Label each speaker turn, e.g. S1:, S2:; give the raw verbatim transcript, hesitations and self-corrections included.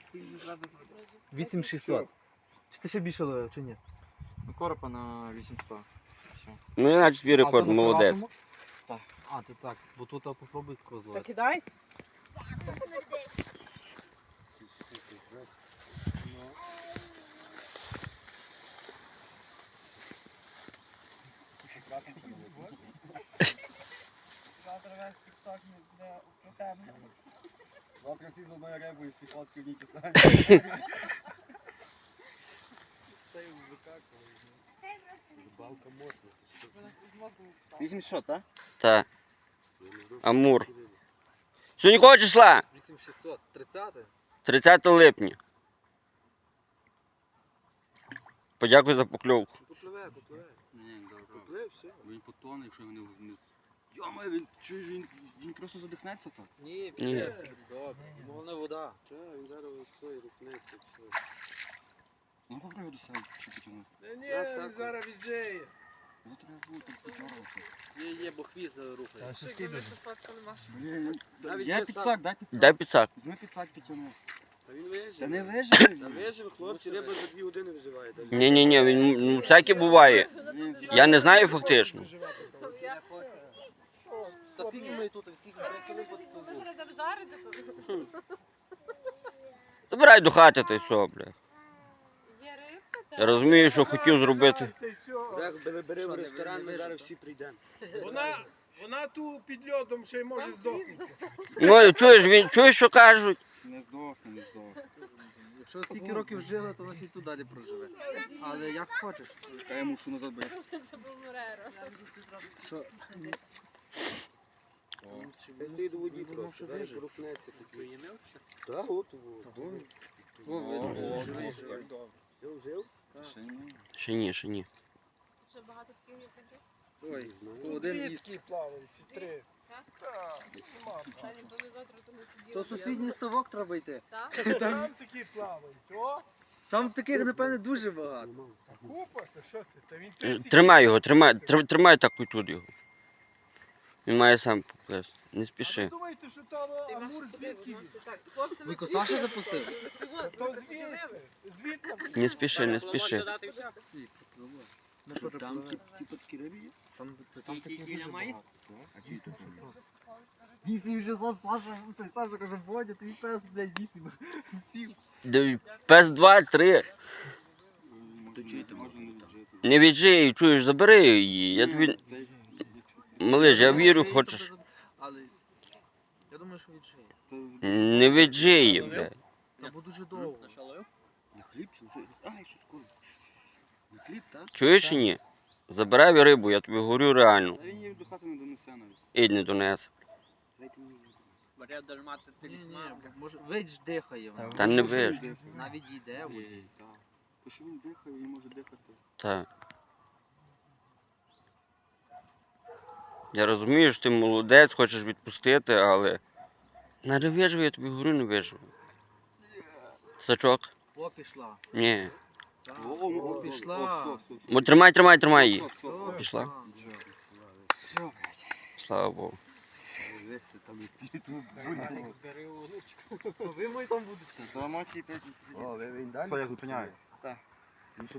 S1: вісім шістсот. Чи ти ще більше ловив, чи ні?
S2: Ну, коропа на вісімсот.
S3: Ну, іначе твій рекорд,
S1: А, то на
S3: молодець.
S1: приватному? Так. А, ти так, бо тут а, попробуй такого
S4: Та
S1: зловити.
S4: кидай. Завтра весь тік-ток буде про тебе.
S2: Завтра всі з одної риби і всі фотки в ній писають. Та й викакує. Рибалка моцна. вісімсот, так?
S3: Так. Амур. Сьогодні якого числа?
S1: вісім шістсот. тридцяте?
S3: тридцяте липня. Подякую за покльовку.
S1: Попливе, попливе.
S2: Ні, добре.
S1: Попливе, все.
S2: Він потоне, якщо його не... не... Йома, він, чуєш, він, він просто задихнеться так.
S1: Ні,
S3: Ні.
S1: все буде добре. Головне вода. Так, він зараз свої рухнеться.
S2: Ну, попробуй його до себе, що потягнути.
S1: Ні, він зараз віджиє.
S2: Його треба було так потягнути.
S1: Є, є, бо хвіст рухає.
S2: Блін,
S1: Навіть
S2: є
S1: без
S2: підсак, дай підсак.
S3: Дай підсак.
S2: Візьми підсак, підтягни.
S1: Та він вижив.
S2: Та не виживе.
S1: Та вижив, хлопці, риба за дві години виживає. навіть.
S3: Ні-ні-ні, він ну, всяке буває.
S2: Він
S3: Я не знаю фактично.
S1: Та скільки ми тут, скільки ми коли
S4: Ви зараз там жарите тут?
S3: Забирай до хати та й все, бля.
S4: Є рибка,
S3: Я
S4: так?
S3: розумію, що хотів зробити.
S1: бери, бери
S2: Що,
S1: в
S2: не
S1: ресторан, ми
S2: вижив?
S1: зараз всі прийдемо.
S5: Вона, вона тут під льодом ще й може здохнути.
S3: Ну, чуєш, він, чуєш, що кажуть?
S2: не здохне, не здохне.
S1: Якщо стільки років жила, то вона і тут далі проживе. Але як хочеш.
S2: Та я мушу назад бити.
S4: Це був Мореро.
S1: Що?
S2: Хай стоїть у воді
S1: Воно
S2: просто,
S1: що
S2: зараз
S1: вижив.
S2: рухнеться.
S1: Так, от, от. О, видно, що живий.
S2: Жив, жив? Ще ні.
S3: Ще ні, ще ні.
S4: Ще багато таких є таких?
S1: Ой, то
S5: Тут
S1: один
S5: дві
S1: із.
S5: такі плавають, чи три.
S4: Так?
S5: Так, нема.
S4: Та ніби ми завтра то не сиділи.
S1: То сусідній ставок треба йти.
S4: Так?
S5: Там такі плавають. О,
S1: Там таких, напевне, дуже багато.
S5: купа, то що ти? Та він
S3: Е,
S5: тридцять
S3: Тримай його, тримай, тр- тримай так і тут його. Він має сам поплести. Не
S5: А ви
S3: спіши.
S5: думаєте, що там
S4: Ти
S5: амур
S4: маєш
S5: звідки?
S4: подивитися.
S5: він?
S4: Так, хлопці, ми
S1: Віко,
S4: сиділи.
S1: Саша запустив?
S4: Це от,
S5: То
S4: ми це
S5: звідки?
S4: подивилися.
S5: Звідки?
S3: Не спіши, не спіши.
S1: Ну що,
S2: Там
S1: там,
S2: типу такі риби є?
S1: там, там таких дуже багато.
S2: А чи це?
S1: Вісім шістсот, Саша, той Саша каже, Бодя, твій пес, блядь, вісім. Сів.
S3: Де- Пес два, три.
S2: Точити можна не віджити.
S3: Не віджий, чуєш, забери її. Я тобі... Малиш, я вірю, хочеш.
S1: Але я думаю, що віджиє.
S3: Не віджий її, блядь.
S1: Та бо дуже довго.
S2: На хліб чи вже? Ай, що скоро. На хліб, так?
S3: Чуєш чи ні? Забирай рибу, я тобі говорю реально.
S2: Та він її до хати не донесе навіть.
S3: Ідь не донесе.
S2: Дайте мені.
S1: Ні, ні, може, видь дихає вона.
S3: Та не виж.
S1: Навіть йде. от.
S2: Ей, так. То що він дихає, він може дихати.
S3: Так. Я розумію, що ти молодець, хочеш відпустити, але... Не виживе, я тобі говорю, не виживе. Сачок?
S1: О, пішла.
S3: Ні.
S1: Так.
S2: О,
S1: О,
S2: о,
S1: пішла.
S2: о, все, все,
S3: Мо тримай, тримай, тримай її.
S2: все, все,
S1: О,
S3: Пішла?
S2: все, блядь.
S3: Слава Богу.
S2: Дивись, там і тут.
S1: Ви мої там будете.
S2: Зламати п'ять.
S5: О, він далі?
S2: Що, я зупиняю? Так.